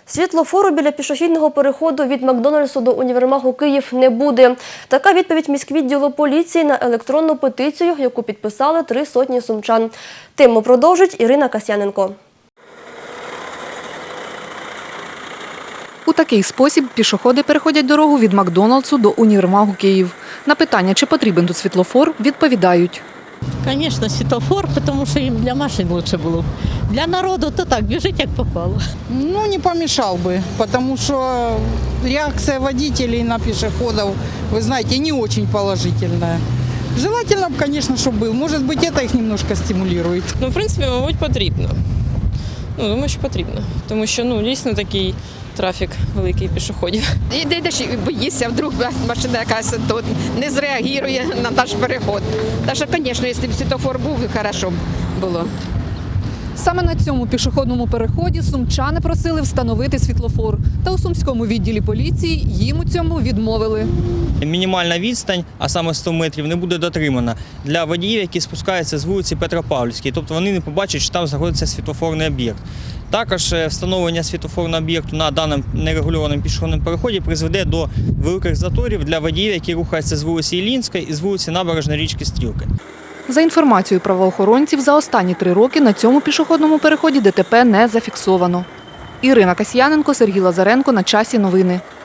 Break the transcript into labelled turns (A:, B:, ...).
A: Світлофору біля пішохідного переходу від Макдональдсу до універмагу «Київ» не буде. Така відповідь міськвідділу поліції на електронну петицію, яку підписали 300 сумчан. Тему продовжить Ірина Касьяненко.
B: У такий спосіб пішоходи переходять дорогу від Макдональдсу до універмагу «Київ». На питання, чи потрібен тут світлофор, відповідають.
C: Звісно, світлофор, тому що їм для машин краще було. Для народу то так, біжить як попало.
D: Ну, не помешал бы, потому что реакция водителей на пешеходов, вы знаете, не очень положительная. Желательно бы, конечно, чтобы был. Может быть, это их немножко стимулирует.
E: Ну, в принципі, мабуть, потрібно. Думаю, що потрібно. Тому що, дійсно такий трафік великий пішоходів.
F: Йдеш і боїшся, вдруг машина якась тут не зреагує на наш переход. Так що, звісно, якщо б світлофор був, хорошо б було.
B: Саме на цьому пішохідному переході сумчани просили встановити світлофор. Та у Сумському відділі поліції їм у цьому відмовили.
G: Мінімальна відстань, а саме 100 метрів, не буде дотримана для водіїв, які спускаються з вулиці Петропавлівської. Тобто вони не побачать, що там знаходиться світлофорний об'єкт. Також встановлення світлофорного об'єкту на даному нерегульованому пішохідному переході призведе до великих заторів для водіїв, які рухаються з вулиці Іллінської і з вулиці Набережної річки Стрілки.
B: За інформацією правоохоронців, за останні 3 роки на цьому пішохідному переході ДТП не зафіксовано. Ірина Касьяненко, Сергій Лазаренко. На часі новини.